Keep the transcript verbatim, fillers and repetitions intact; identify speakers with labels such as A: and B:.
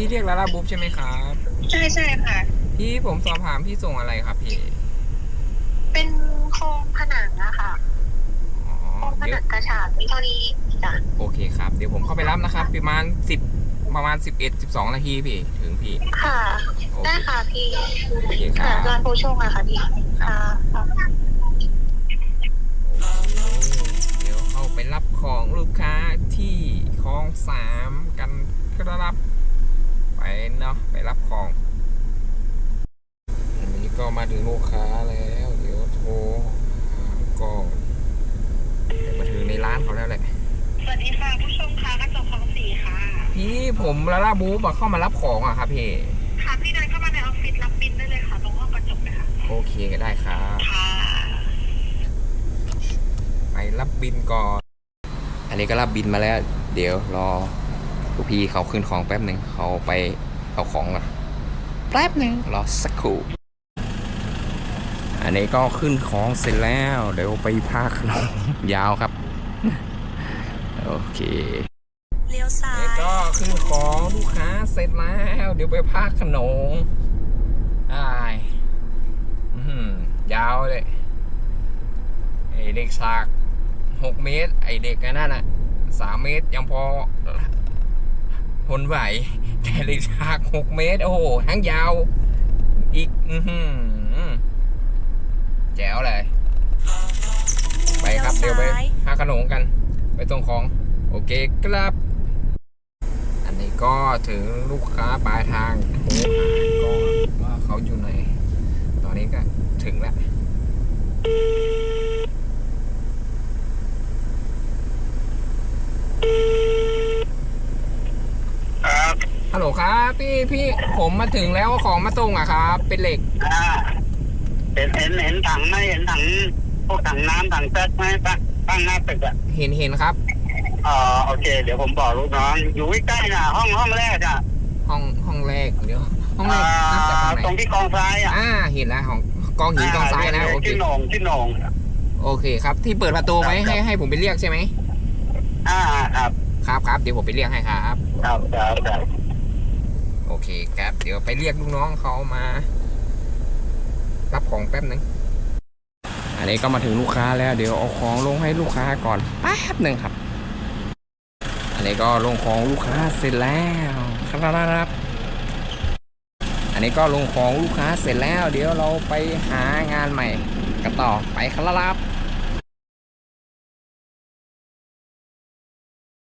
A: พี่เรียกลาลาบุ๊บใช่ไหมครับ
B: ใช่ใช่ค่ะ
A: พี่ผมสอบถามพี่ส่งอะไรครับพี่
B: เป็นโครงผนังอะค่ะ
A: อ๋อ
B: โครงผ
A: เดี๋ยว
B: นังกระฉาบวิเท่านี้จ้ะ
A: โอเคครับเดี๋ยวผมเข้าไปรับนะครับประมาณสิบประมาณสิบเอ็ดสิบสองนาทีพี่ถึงพี่
B: ค่ะ
A: โอเค
B: ได้ค่ะพี่
A: โอเคครั
B: ค่ะ
A: บ
B: ร้านโพชงอะค่ะพี่
A: ครับ
B: ค่ะค่ะ
A: โอเคเดี๋ยวเข้าไปรับของลูกค้าที่คลองสามกันครับไปเนาะไปรับของอันนี้ก็มาถึงลูกค้าแล้วเดี๋ยวโทรหาก่อนเดี๋ยวมาถึงในร้านเขาแล้วแหละ
B: สวัสดีค่ะผู้ชมค่ะกระจกคลองสี่ค่ะ
A: พี่ผมลาลาบูบเข้ามารับของอ่ะครับพี่
B: ค่ะพี่เดินเข้ามาในออฟฟิศรับบินได้เลยค่ะตรงห้องกระจกเลยค่ะ
A: โอเคก็ได้ครับ
B: ค่ะ
A: ไปรับบินก่อนอันนี้ก็รับบินมาแล้วเดี๋ยวรอลูกพี่เขาขึ้นของแป๊บหนึ่งเขาไปเอาของก่อนแป๊บหนึ่งรอสักครู่อันนี้ก็ขึ้นของเสร็จแล้วเดี๋ยวไปพาขนมยาวครับโอเค
B: เลี้ยวซ้า
A: นี่
B: ย
A: ก็ขึ้นของลูกค้าเสร็จแล้วเดี๋ยวไปพาขนมอ้ายยาวเลยไอเด็กสากหกเมตรไอเด็กนั่นน่ะสามเมตรยังพอทนไหวแต่เด็กสากหกเมตรโอ้โหทั้งยาวอีกอือหือแจ๋วเลยไปครับเดี๋ยวไปหาขนมกันไปตรงของโอเคครับอันนี้ก็ถึงลูกค้าปลายทางโทรหาก็ว่าเขาอยู่ไหนตอนนี้ก็ถึงแล้ว
C: ครับ
A: ฮัลโหลครับพี่พี่ผมมาถึงแล้วของมาส่งอะครับเป็นเหล็ก
C: อ่าเห็นเห็นเห็นถังไหมเห็นถังพวกถังน้ำถังแก๊สไหมตั้งตั้งหน้าตึกอ่ะ
A: เห็นเห็นครับ
C: อ๋อโอเคเดี๋ยวผมบอกลูกน้องอยู่ใกล้ๆน่ะห้องห้องแรกอ่ะ
A: ห้องห้องแรกเดี๋ยวห้องแร
C: อ่
A: กน่าจะตรงไหน
C: ตรงที่กองซ้ายอ่ะ
A: อ่าเห็นแล้วของกองหินกองทรายนะโอเค
C: ที่โหน่งที่โหน่ง
A: โอเคครับที่เปิดประตูไว้ให้ให้ผมไปเรียกใช่ไหม
C: อ่าครับ
A: ครับครับเดี๋ยวผมไปเรียกให้ครับ
C: ครับครับครับ
A: โอเคครับเดี๋ยวไปเรียกลูกน้องเขามารับของแป๊บนึงอันนี้ก็มาถึงลูกค้าแล้วเดี๋ยวเอาของลงให้ลูกค้าก่อนแป๊บหนึ่งครับอันนี้ก็ลงของลูกค้าเสร็จแล้วครับอันนี้ก็ลงของลูกค้าเสร็จแล้วเดี๋ยวเราไปหางานใหม่กันต่อไปครับ